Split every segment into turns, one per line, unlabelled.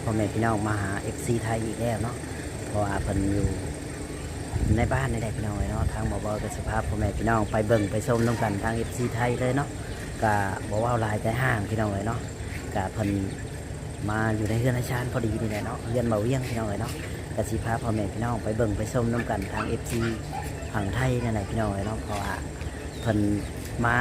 พ่อแม่พี่น้องมาหา FC ไทยอีกแล้วเนาะเพราะว่าเพิ่นอยู่ในบ้านในใดพี่น้องเนาะทางบ่บ่ก็สภาพพ่อแม่พี่น้องไปเบิ่งไปชมนํกันทาง FC ไทยเลยเนาะก็บ่เว้าหลายใจห้างพี่น้องเนาะก็เพิ่นมาอยู่ในเรือนอาชานพอดีนี่แหละเนาะเรือนเบาเวียงพี่น้องเนาะก็สิพาพ่อแม่พี่น้องไปเบิ่งไปชมนํกันทาง FC ฝั่งไทยนั่นแหละพี่น้องเนาะเพราะว่าเพิ่นมา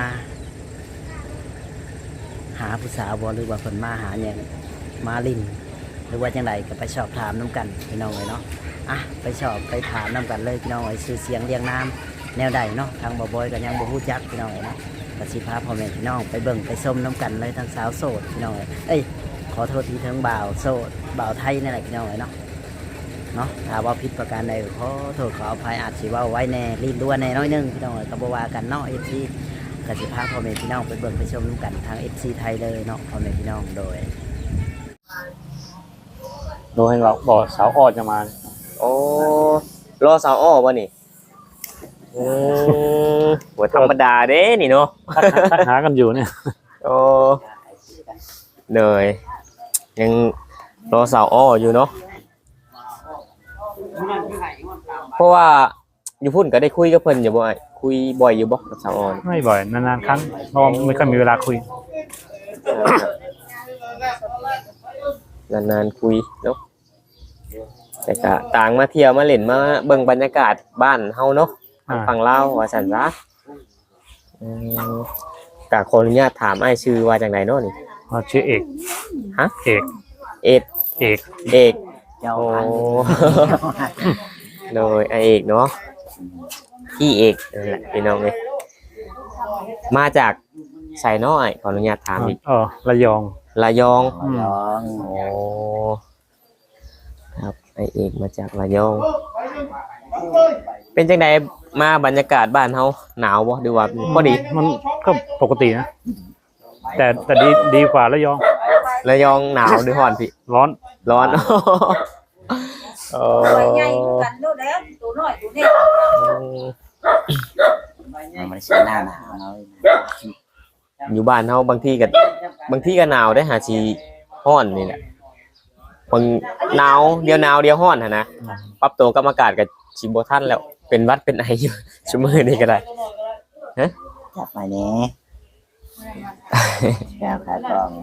หาผู้สาวบ่หรือว่าเพิ่นมาหาเนี่ยมาลินหรือว่าจังไดก็ไปสอบถามน้ำกันพี่น้องเนาะไปสอบไปถามน้ำกันเลยพี่น้องชื่อเสียงเรียงน้ำแนวใดเนาะทางบ่บอยก็ยังบ่ฮู้จักพี่น้องเนาะก็สิพาพ่อแม่พี่น้องไปเบิ่งไปชมน้ำกันเลยทั้งสาวโสดพี่น้องขอโทษทีทั้งบ่าวโสดบ่าวไทยนั่นแหละพี่น้องเนาะถ้าว่าผิดประการใดขอโทษขออภัยอาจสิว่าไว้แน่ลิ้นรั่วแน่น้อยนึงพี่น้องก็บ่ว่ากันเนาะ FC ก็สิพาพ่อแม่พี่น้องไปเบิ่งไปชมกันทาง FC ไทยเลยเนาะพ่อแม่พี่น้องโดย
ให้เราบอกสาวออดจะมา
โอ้รอสาวอ้อบ่นี่บ่ธรรมดาเด้นี่เนาะ
ทักหากันอยู่เนี่ย
โอ้เหนื่อยยังรอสาวอ้ออยู่เนาะเพราะว่าอยู่พุ่นก็ได้คุยกับเพิ่นอยู่บ่คุยบ่อยอยู่บ่กับสาวอ้อ
ไม่บ่อยนานๆครั้งเราไม่ค่อยมีเวลาคุย
นานๆคุยเนาะแต่ก็ต่างมาเที่ยวมาเล่นมาเบิ่งบรรยากาศบ้านเฮาเนาะฝั่งลาวว่าซั่นซะก็ขออนุญาตถามอ้ายชื่อว่าจังไดเนาะนี่
ชื่อเอก
ฮะ
เอก
โอ้โดยไอเอกเนาะพี่เอกนั่นแหละพี่น้องเอ้ยมาจากไสน้อยขออนุญาตถามอีก
ระยอง
โอ้ครับไอเอกมาจากระยองเป็นจังไดมาบรรยากาศบ้านเฮาหนาวบ่ดูว่าพอดี
มันก็ปกตินะแต่ดีกว่าระยอง
หนาวหรือร้อนพี่
ร้อน
ใหญ่กันโลดแล้วตัวน้อยตัวนี้
มันใช่หน้าหนาว
อยู่บ้านเฮาบางทีก็หนาวได้หาสิร้อนนี่แหละบางหนาวเดียวร้อนนะปรับตัวกับอากาศก็สิบ่ทันแล้วเป็นหวัดเป็นไออยู่ชั่วโมงนี้ก็ได้ฮะ
จับมาแน่แก้วขากอง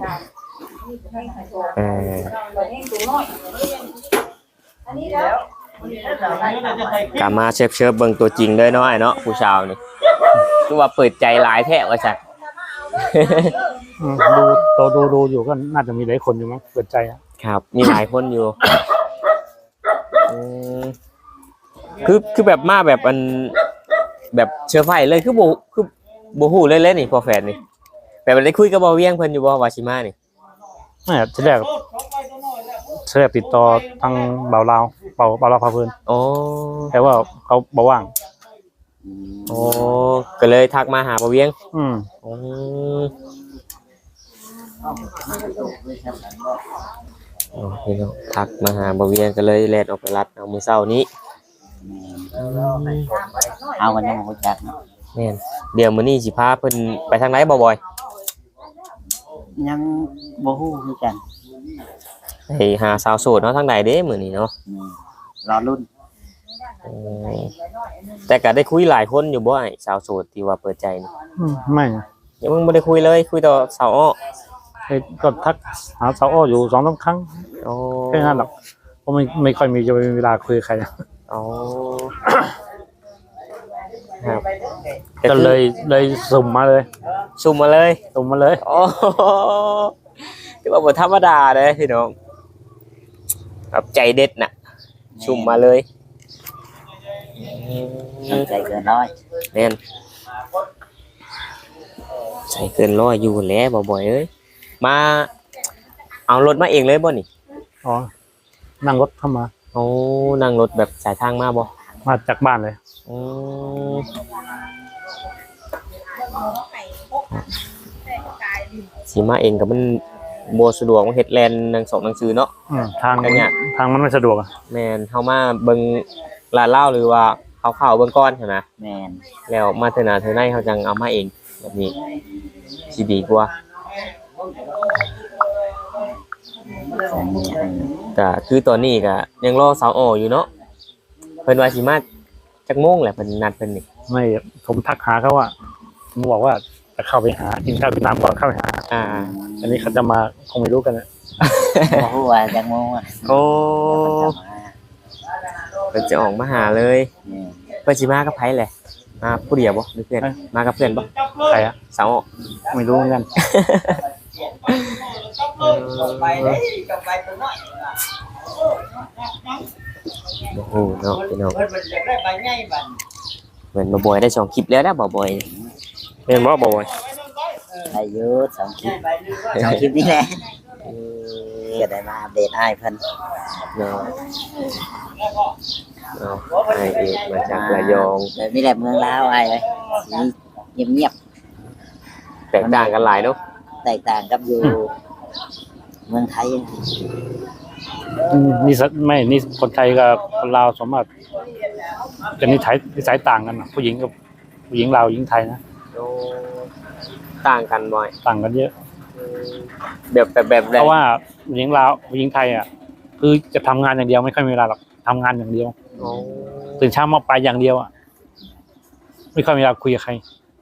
กลับมาเชิบเบิ่งตัวจริงเลยเนาะไอ้เนาะผู้ชาวนี่คือว่าเปิดใจหลายแท้ว่าจัก
ดูอยู่ก็น่าจะมีหลายคนอยู่มั้งเปิดใจ
ครับมีหลายคนอยู่คือแบบมาแบบอันแบบเชื้อไฟเลยคือบ่ฮู้เลยนี่พอแฟนนี่แบบได้คุยกับบ่าวเวียงเพิ่นอยู่บ่วาชิมานี่
ไม่ทีแรกติดต่อทางบ่าวลาวพาเพิ่นแต่ว่าเขาบ่ว่าง
ก็เลยทักมาหาบ่าวเวียงพี่น้องทักมาหาบ่าวเวียงก็เลยแล่นออกไปรับเอามื้อเช้านี้
เอากันยังบ่จักเนาะ
แม่นเดี๋ยวมื้อนี้สิพาเพิ่นไปทางไหนบ่บ่อย
ยังบ่ฮู้คือกัน
ไปหาสาวโสดเนาะทางใดเด้มื้อนี้เนาะ
รอรุ่น
แต่ก็ได้คุยหลายคนอยู่บ่ไอ้สาวโสดที่ว่าเปิดใจนี่
ไม่
ยังบ่ได้คุยเลยคุยแต่สาวอ้อ
ก็ทักหาสาวอ้ออยู่ 2-3 ครั้งแค่นั้นหรอกเพราะไม่ค่อยมีจะมีเวลาคุยกับใคร
ครับ
ก็เลยสุ่มมาเลย
โอ้ที่ว่าบ่ธรรมดาเด้พี่น้องครับใจเด็ดน่ะสุ่มมาเลย
ใจเกินร้อย
แม่นใจเกินร้อยอยู่แล้วบ่อยเอ้ยมาเอารถมาเองเลยบ่นี่
นั่งรถเข้ามา
นั่งรถแบบสายทางมาบ่
มาจากบ้านเลย
สิมาเองก็มันบ่สะดวกเฮ็ดแลนหนังสือเนาะ
ทางมันไม่สะดวก
แม่นเฮามาเบิ่งร้านเหล้าหรือว่าข้าวเบิ่งก่อนหั่นนะ
แม่น
แล้วมาเทื่อหน้าเทื่อในเฮาจังเอามาเองแบบนี้สิดีกว่าก็คือตอนนี้ก็ยังรอสาวอ้ออยู่เนาะเพิ่นว่าสิมาจักโมงแหละเพิ่นนัดเพิ่นนี่
ไม่ผมทักหาเขาว่าผมบอกว่าจะเข้าไปหากินข้าวกินน้ำก่อนเข้าไปหา
อ่า
อันนี้เขาจะมาคงไม่รู้กันนะ
บ่ฮู้ว่าจักโมงอ่ะ
โอ้เพิ่นจะออกมาหาเลยเพิ่นสิมากับไผแหละมาผู้เดียวบ่หรือเพื่อนมากับเพื่อนบ่
ใครอะ
สาวอ้อ
ไม่รู้เหมือนกัน
โอ้โหเนาะพี่น้องเหมือนบ่บ่อยได้2คลิปแล้วนะบ่บ่อย
เห็นว่าบอกว่า
ได้อยู่2คลิป2คลิปนี่แหละก็ได้มาอัปเดตให้เพิ่น
เนาะไอเอกมาจากระยอง
แบบนี้แหละเมืองลาวอ้ายเอ้ยสิเงียบ
แตกต่างกันหลายเนาะ
ๆแตกต่างกับอยู่เมืองไทย
นี่ไม่นี่คนไทยกับคนลาวสมมติจะนิสัยต่างกันนะผู้หญิงกับผู้หญิงลาวหญิงไทยนะ
ต่างกันบ่อย
ต่างกันเยอะ
แบบ
เพราะว่าผู้หญิงลาวผู้หญิงไทยอ่ะคือจะทำงานอย่างเดียวไม่ค่อยมีเวลาหรอกทำงานอย่างเดียวตื่นเช้ามาไปอย่างเดียวอ่ะไม่ค่อยมีเวลาคุยกับใคร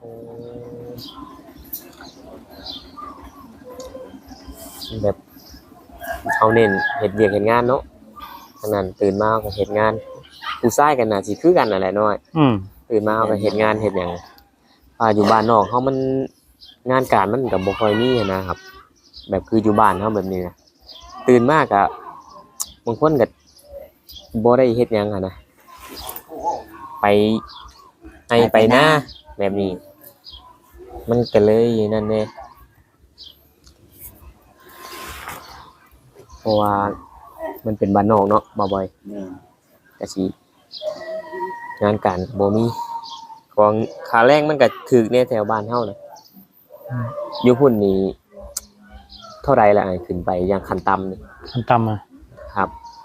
แบบเขาเน้นเฮ็ดเวียกเฮ็ดงานเนาะฉะนั้นตื่นมาก็เฮ็ดงานผู้ชายกันน่ะสิคือกันนั่นแหละน้อย ตื่นมาก็เฮ็ดงานเฮ็ดหยังอยู่บ้านนอกเฮามันงานการมันก็บ่ค่อยมีนะครับ แบบคืออยู่บ้านเฮาแบบนี้นะตื่นมาก็บางคนก็บ่ได้เฮ็ดหยังนะไปไปหน้าแบบนี้ มันก็เลยนั่นแน่เพราะว่ามันเป็นบ้านนอกเนาะบ่บ่อยก็สิงานการบ่มีของค่าแรงมันก็ถูกในแถวบ้านเฮาน่ะอยู่พุ่นนี่เท่าไรล่ะขึ้นไปอย่างขั้นต่ำนี่
ขั้นต่ำอ่ะ
ครับ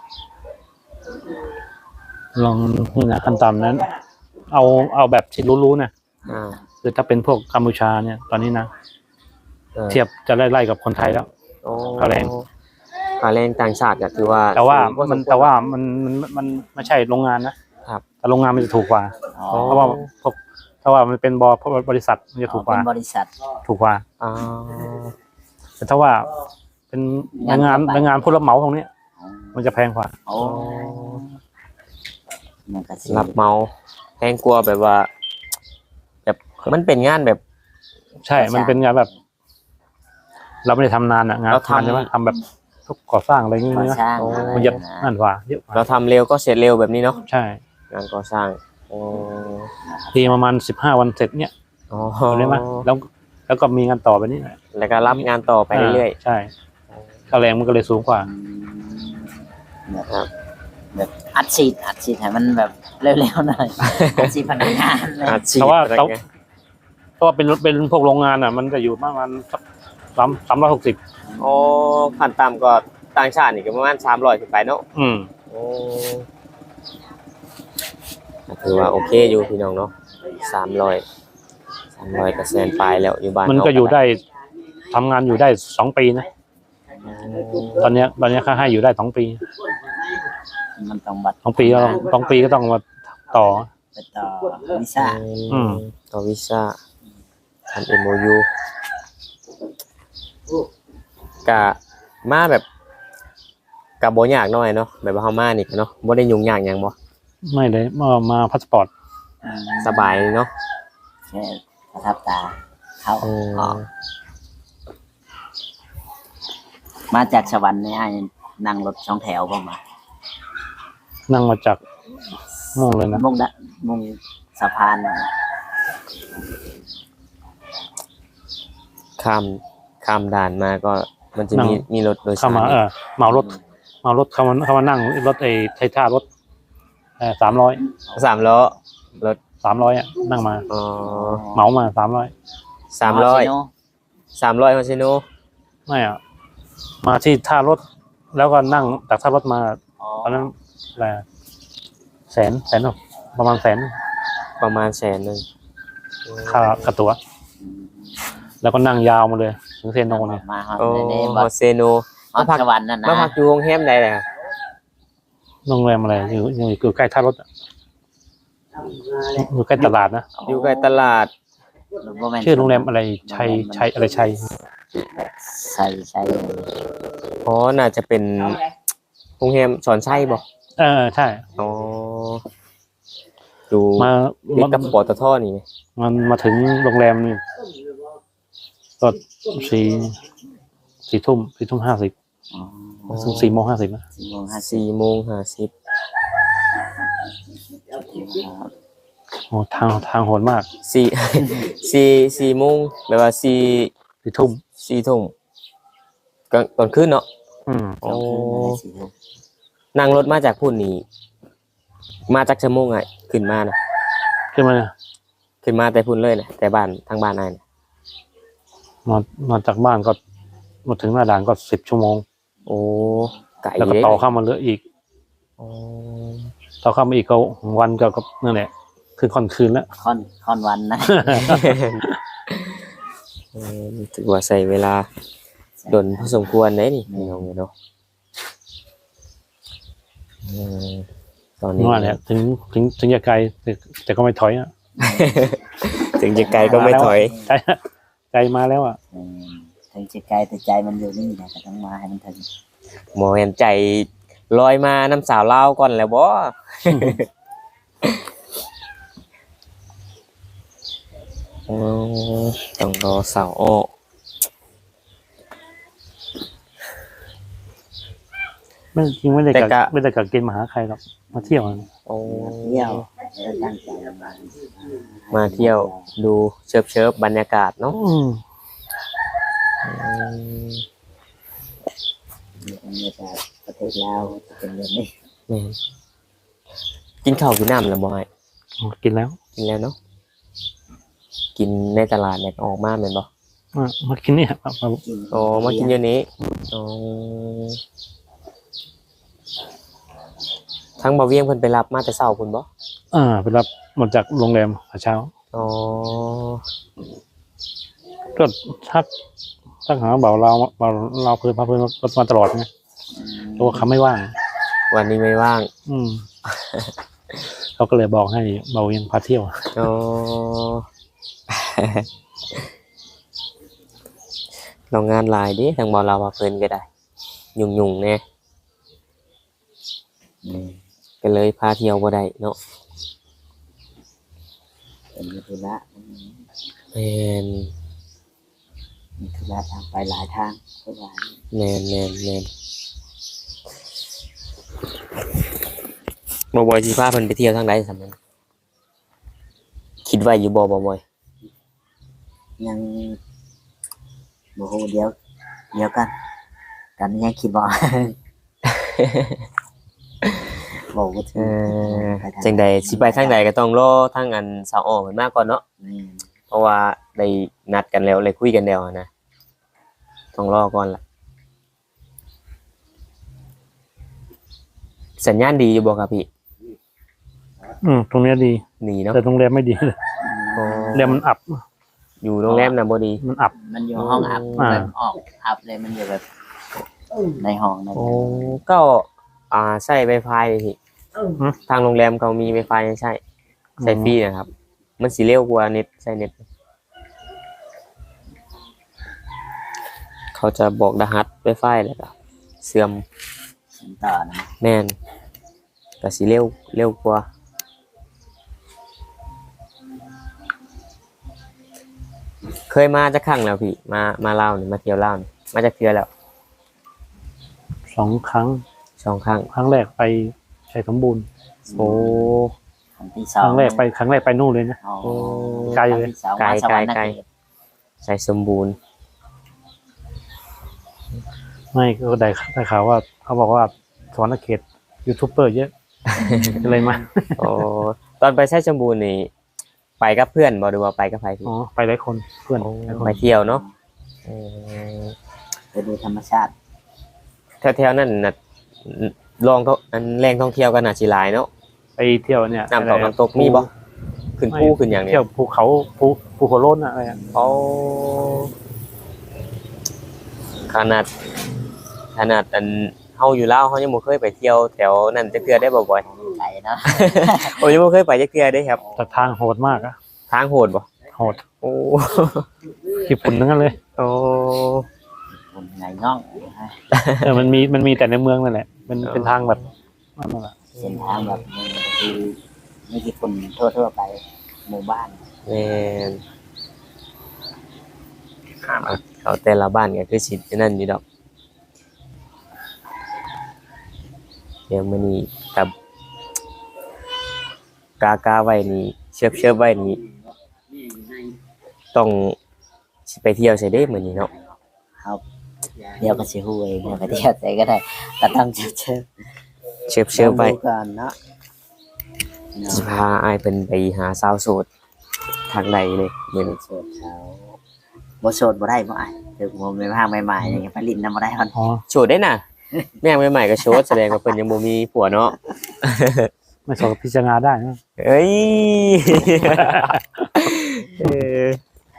ลองนี่นะขั้นต่ำนั้น เอาแบบที่รู้ๆนะ คือถ้าเป็นพวกกัมพูชาเนี่ยตอนนี้นะเทียบจะไล่กับคนไทยแล้ว ค่าแรง
ค่าแรงต่างชาติก็ถือว่า
แต่ว่ามันไม่ใช่โรงงานนะครับ แต่โรงงานมันจะถูกกว่า เพราะว่าพวกถ้าว่ามันเป็นบริษัทมันจะถูกกว่า
เป็นบริษัท
ถูกกว่า
อ๋อ
แต่ถ้าว่าเป็นแรงงานผู้รับเหมาตรงนี้มันจะแพงกว่า
โอ้มันก็สิ
รับเหมาแพงกว่าแบบว่าแบบมันเป็นงานแบบ
ใช่ มันเป็นงานแบบ เราไม่ได้ทำนานอะงาน
เราทำ
ใช่ไหมทำแบบทุกก่อสร้างอะไรอย่างเงี้ย
ก่อ
นะ
สร้าง
มันจะนั่นกว่าเยอะกว่า
เราทำเร็วก็เสร็จเร็วแบบนี้เนาะ
ใช่
งานก่อสร้างอ๋อ
ทีประมาณ15 วันเสร็จเนี่ย
อ๋อ
ได้ไหมแล้วก็มีงานต่อไปนี่แหละ
แล้วก็รับงานต่อไปเรื่อย
ๆใช่ค่าแรงมันก็เลยสูงกว่า
ๆครับ
แบบอัดฉีดให้มันแบบเร็วๆหน่อยอัดฉีดพนักงานเลย
อาชีพ
แต่ว่า
อะไร
เขา
เงี้ย
เพราะว่าเป็นพวกโรงงานอ่ะ มันจะอยู่ประมาณสัก360
อ๋อขั้นต่ำก็ต่างชาตินี่ก็ประมาณ300ขึ้นไปเนาะ โอ้ถือว่าโอเคอยู่พี่น้องเนาะ300ก็แสนปลายแล้วอยู่บ้าน
มันก็อยู่ได้ทำงานอยู่ได้2 ปีนะ ตอนเนี้ยค่าให้อยู่ได้2 ปี
มันต้องบัตร
2 ปีก็ต้องมาต่อ
ไปต่อวีซ่า
ต่อวีซ่าทำ MOU กะมาแบบกับบ่ยากหน่อยเนาะแบบว่าเฮามานี่เนาะบ่ได้ยุ่งยากหยังบ่
ไม่เลยมาพาสปอร์ต
สบายเนาะ
แค่ประทับตาเข้าออกมาจากสวรรค์เนี่ยนั่งรถ2 แถวบ่มา
นั่งมาจากม่วงเลยนะ
มุ่งสะพานน่ะ
ข้ามด่านมาก็มันจะมีรถโดยสา
เข้าร มาเหมารถเข้ามานั่งรถไทท่ารถ300
3ล้อรถ
300อ่ะนั่งมา
อ๋อ
เหมามา300
300ฮอซิโน
ไม่อ่ะมาที่ท่ารถแล้วก็นั่งจากท่ารถมาตอนนั้นอะไรแสนประมาณแสน
ประมาณแสนนึง
ค่ากระตั๋วแล้วก็นั่งยาวมาเลยถึงเซโนเนี่ย
มาฮอด
โอ้
ใน
ฮอเซโน
ฮฮอดสวรรค์นั่นนะ
มาพักอยู่โรงแรมใดล่ะ
โรงแรมอะไรอยู่ใกล้ท่ารถอะอยู่ใกล้ตลาดนะ
อยู่ใกล้ตลาด
บ่แม่น
ชื่อโรงแรมอะไรชัยอะไรชัย
ใช่
อ๋อน่าจะเป็นโรงแรมสอนชัยบ่
ใช่
อ๋ออยู่
มา
ติดกับปตทนี่ไง
มันมาถึงโรงแรมนี่ก็4 ทุ่ม50
อ๋อ
ถึง4:50นะ
4:50
โอ้ทางโหดมาก
4 โมงแบบว่า
4 ทุ่ม
4 ทุ่มตอนคืนเนาะ โอ้นั่งรถมาจากพุ่นนี่มาจากชั่วโมงไงขึ้นมานะ
ขึ้นมาเนี่ย
ขึ้นมาแต่พุ่นเลยนะแต่บ้านทางบ้านนายนะ
มาจากบ้านก็มาถึงหน้าด่านก็10 ชั่วโมง
โอ้ไก่
แล้วก็ต่อเข้ามาเหลืออีก
โอ้
ต่อเข้ามาอีกก็วันก็นั่นแหละคือค่อนคืนแล้ว
ค่อนวันนะ
ถือว่าใส่เวลาดนพอสมควรเลยนี่น้องเนาะตอนนี้
ว่าเนี่ยถึงจะไกลแต่ก็ไม่ถอยอ่ะ
ถึงจะไกลก็ไม่ถอย
ใจมาแล้วอ่ะ
ถึงจะไกลแต่ใจมันอยู่นี่นะก็ต้องมาให้มันถึง
หมอเห็นใจลอยมาน้ำสาวเล่าวก่อนแล้วบ่ ต้องรอสาวอ้อ
ไม่จริงไม่ได้กักเกณฑ์มาหาใครหรอกมาเที่ยวอะ
โอ้
เที่ยวตั้งใจมา
มาเที่ยวดูเชิบบรรยากาศเนาะ
มีแต่ประเทศลาวเป็นแบบนี้
แม่นกินข้าวกินน้ำแล้วบ่ไอ้
กินแล้ว
กินแล้วเนาะกินในตลาดเนี่ยออกมาแม่นบ่
มากินเนี่ยมา
กิน
อ๋อมากินอยู่นี้อ๋อทั้งบ่าวเวียงเพิ่นไปรับมาแต่เช้าพุ่นบ่
ไปรับมาจากโรงแรมเช้า
อ๋อ
ก็ทักหาเบาเราเพื่อนพาเพื่อนมาตลอดไงเพราะว่าเขาไม่ว่าง
วันนี้ไม่ว่าง
เขาก็เลยบอกให้เบายังพาเที่ยว
อ๋อ เรางานหลายดิทางบ่เราว่าเพิ่นก็ได้ยุ่งๆแน่ก็เลยพาเที่ยวบ่ได้เนาะ
เป็นธุระ
แม่น
มีธุระทางไปหลายทางทุกวัน
แม่นบ่บ่อยสิพาเพิ่นไปเที่ยวทางใดซั่นนั้นคิดไว้อยู่บ่บ่อย
ยังโอ้โหเดี๋ยวกันยังคิดบ่ บอกว่า
เออจังใดสิไปทางใดก็ต้องรอทางอันสาวอ้อเพิ่นมาก่อนเนาะ
นี่
เพราะว่าได้นัดกันแล้วเลยคุยกันแล้วนะต้องรอก่อนล่ะสัญญาณดีอยู่บ่ครับพี่
ตรงเนี้ยดี
ดีเนาะ
แต่โรงแรมไม่ดีเลย
อ๋อ
โรงแรมมันอับ
อยู่โรงแรมน่ะบ่ดี
มันอับ
มันอยู่ห้องอัพแบบออกอัพเลยมันอยู่แบบในห้องใน
โอ้ก็ใช้ Wi-Fi เลยพี่ทางโรงแรมเขามี Wi-Fi ให้ใช้ฟรีนะครับ มันสิเร็วกว่าเน็ตใช้เน็ตเขาจะบอกรหัส Wi-Fi แล้วก็เสื่อม
ต่อนะ
แม่นก็สิเร็วกว่าเคยมาจักครั้งแล้วพี่มาลาวนี่มาเที่ยวลาวนี่มาจากเทื่อแล้ว
2 ครั้ง
2 ครั้ง
ครั้งแรกไปชัยสมบูรณ์
โอ้
ครั้งที่
ครั้งแรกไปนู่นเลยนะ ไกลเลย
ไกลใส่สมบูรณ์
ไม่ก็ได้ข่าวว่าเขาบอกว่าสวรรณเขตยูทูบเบอร์เยอะ ก็เลยมา
โอ้ตอนไปใช้สมบูรณ์นี่ไปกับเพื่อนบ่หรือว่าไปกับใครพี่
ไปหลายคนเพื่อนหลายคน
ไปเที่ยวเนาะ
ไปดูธรรมชาติ
แถวๆนั้นน่ะลองอันแรงท่องเที่ยวกันน่ะสิหลายเนาะ
ไปเที่ยวเนี่ย
น้ำตกน้ำตกมีบ่ขึ้นภูขึ้นอย่างเนี้
เที่ยวภูเขาภูหัวโล้นอะไรอ่ะ
โอ้ขนาดขนาดอันเฮาอยู่ลาวเฮายังบ่เคยไปเที่ยวแถวนั้นจักเทื่อได้บ่บ่อย
ไปเนาะ
โอ้ยังบ่เคยไปจักเทื่อเด้ครับ
แต่ทางโหดมากอะ
ทางโหดบ่
โหด
โอ้
ญี่ปุ่นทั้งนั้นเลย
โอ้
ผมไงง่อง
มันมีแต่ในเมืองนั่นแหละมันเป็นทางแบบนั่นแหละ
เส้นทางแบบนี้คือไม่กี่คนทั่วๆไปหมู่บ้าน
แม่นเขาแต่ละบ้านก็คือสินั่นอยู่ดอกเดี๋ยวมื้อนี้กับกาไว้นี่เชือบไว้นี่ต้องสิไปเที่ยวใส่เด้มื้อนี้เนาะ
ครับเดี๋ยวก็สิฮู้เองเดี๋ยวไปเที่ยวใส่ก็ได้ก็ต้องเชิญ
เชือบไว้
ดูก่อนเนาะ
สิพาอ้ายเพิ่นไปหาสาวโสดทางใดเลยมื้อนี้
โสดเขาบ่โสดบ่ได้บ่อ้ายถึงผมเป็นภาคใหม่ๆนี่ไปลิ้นนำบ่ได้มัน
อ๋อ
โสดได้น่ะแม่งใหม่ๆก็โสดแสดงว่าเพิ่นยังบ่มีผัวเนาะ
ไม่สอบพิจารณาได้นะ
เอ้ยเออ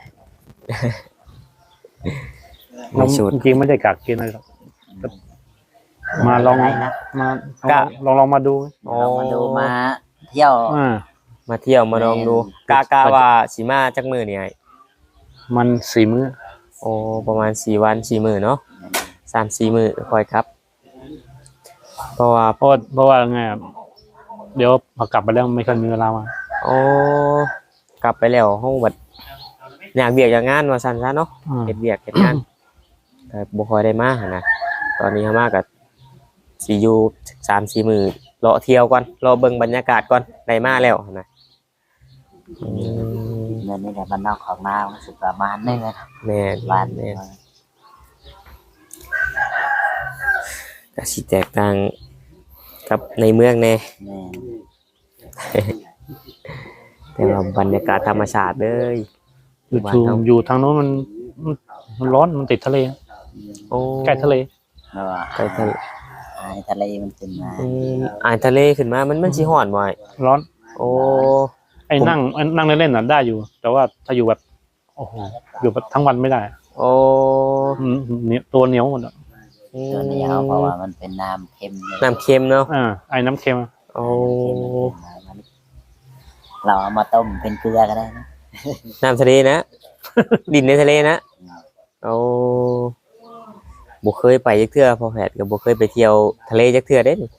เราจริงๆไม่ได้กักเกณฑ์อะไรหรอกมาลอง
ได้นะ
ลองมาดู
ลองมาดูมาเที่ยว
มาเที่ยวมาลองดูกาว่าสิมาจักมื้อนี่ไอ้
มัน4 มื้อ
โอ้ประมาณ4วัน4มื้อเนาะ3-4มื้อค่อยครับ เพราะว่า
เพราะว่าไงอะเดี๋ยวพอกลับไปแล้วไม่ค่อยมีเวลามา
โอ้กลับไปแล้วเฮาบัดอยากเวียกอยากงานว่าซั่นซะเนาะ เฮ็ดเวียกเฮ็ดงานแต่บ่ค่อยได้มาหั่นน่ะตอนนี้เฮามาก็สิอยู่ 3-4 มื้อรอเที่ยวก่อนรอเบิ่งบรรยากาศก่อนได้มาแล้วหั่นน่ะ
เงินนี่แหละบ้านนอกของนารู้สึกประมาณนึงนะ
แม่น
บ้าน
แม่นก็สิแตกต่างกับในเมืองแน่
แม่
แต่ว่าบรรยากาศธรรมชาติเลย
อยู่ทางโน้นมันร้อนมันติดทะเล
โอ้
ใกล้ทะเล
เพราะว่า
ใกล้ทะเล
ทะเลมันเป็นมา
อ่านทะเลขึ้นมามันสิฮ้อนบ่ไอ้
ร้อน
โอ้
ไอ้นั่งเล่นๆน่ะได้อยู่ แต่ว่าถ้าอยู่แบบโอ้โหอยู่แบบทั้งวันไม่ได้
โอ้
เนี่ยตัวเหนียวหมดอ่ะ
ตัวนี้เขาเพราะว่ามันเป็นน้ำเค็มเลย
น้ำเค็มเนาะ
ไอ้น้ำเค็ม
โอ้
เราเอามาต้มเป็นเกลือก็ได้นะ
น้ำทะเลนะ ดินในทะเลนะโอ้บ่เคยไปจักเทื่อพอแผดก็บ่เคยไปเที่ยวทะเลจักเทื่อเด้นี่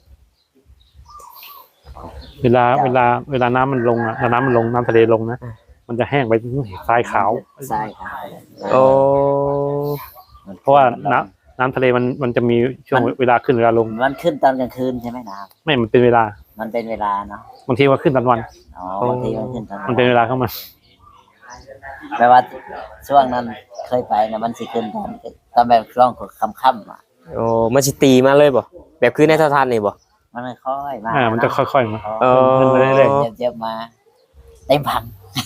เวลาน้ำมันลงอ่ะน้ำมันลงน้ำทะเลลงนะมันจะแห้งไปทรายขาว
ใช่ครับ
โอ้
เพราะว่าน้ำทะเลมันจะมีช่วงเวลาขึ้นเวลาลง
มันขึ้นตอนกลางคืนใช่ไหมน้
ไม่มันเป็นเวลา
ำมันเป็นเวลาเนาะ
บางทีว่าขึ้นตอนวัน
อ๋อบางทีมันขึ้นตอน
มันเป็นเวลาเข้ามา
แปลว่าช่วงนั้นเคยไปนะมันสิขึ้นตอนแบบช่วงค่ำๆอ่ะ
โอ้มันสิตีมาเลยบ่แบบคือในโทรทัศน์นี่บ่
มันไม่ค่อยมา
มันจะค่อยๆมา
เออ
ขึ้นมาเรื่อย
เจ็บๆมาเต็มพัง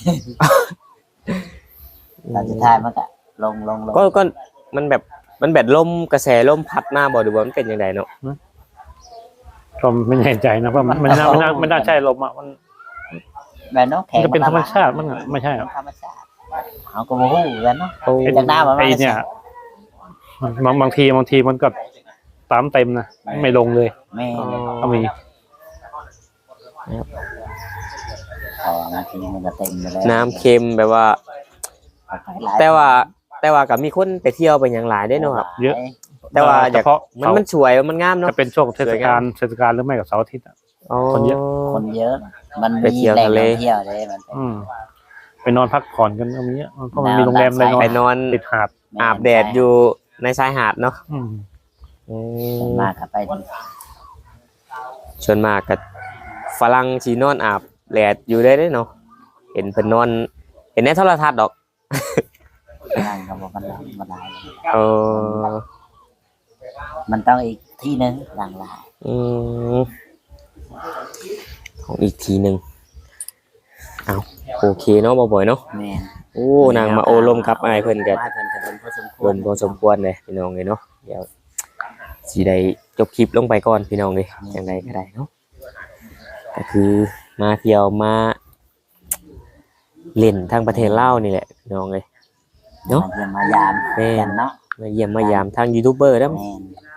ตอนสุดท้ายมันก็ลง
ก็มันแบบลมกระแสลมพัดมาบ่หรือว่ามันเป็นจังไดเนาะ
ๆก็ไม่แน่ใจนะว่ามันน่าใช่ลมอ่ะมัน
แบบน้องแข็
มัน
ง
จะเป็นธรรมชาติมันไม่ใช่หรอ
ธรรมชาติเขาก็มาหู้กันเนาะ
โอ้
จากหน้ามัน
ไอ้เนี่ยบางทีมันก็ตามเต็มนะไม่ลงเลย
แม่
ก็มี
อ๋อบางทีมันก็เต็มไปแล้ว
น้ำเค็มแบบว่า แต่ว่าก็มีคนไปเที่ยวไปหยังหลายได้เนาะครับ
เยอะ
แต่ว่าอ
เฉ
ยาก
พาะ
มันสวยมันงามเนาะ
จะเป็นช่วงเทศกาลหรือไม่กับเสาร์อาทิตย์อ่ะ
อ๋อ
คนเยอะ
คนเยอะ มัน
ไปเที่
มี
ยว
แหล่ง
ทะเล
ท่องเที่ยวเลยมันเป็น
ไปนอนพักผ่อนกันก็มีเพราะมันมีโรงแรมเลยนอน
ไปนอน
ติดหาด
อาบแดดอยู่ในชายหาดเนาะ
อืม
ส่วนมากก็ไปดี
ส่วนมากก็ฝรั่งสินอนอาบแดดอยู่ได้เนาะเห็นเพิ่นนอนเห็นในโทรทัศน์ดอก
นั่งกับมันได้
เออ
มันต้องอีกที่นึงหลังหลาย
ของอีกทีหนึ่งเอาโอเคเนาะบ่อยๆเนาะ
แม่น
โอ้นางมาโอลมกับไอ้ายเพิ่นก็
ว่าเพิ่นก็โดนพอสมค
คว ว
ร
รพอสมควรเลยพี่น้องเลยเนาะเดี๋ยวสิได้จบคลิปลงไปก่อนพี่น้องเลยจังไดก็ได้เนาะก็คือมาเที่ยวมาเล่นทางประเทศลาวนี่แหละพี่น้องเลย เนาะ
มาเยี่ยมมายาม
แม่น
กันเนาะ
มาเยี่ยมมายามทางยูทูบเบอร์แล้ว
แม่น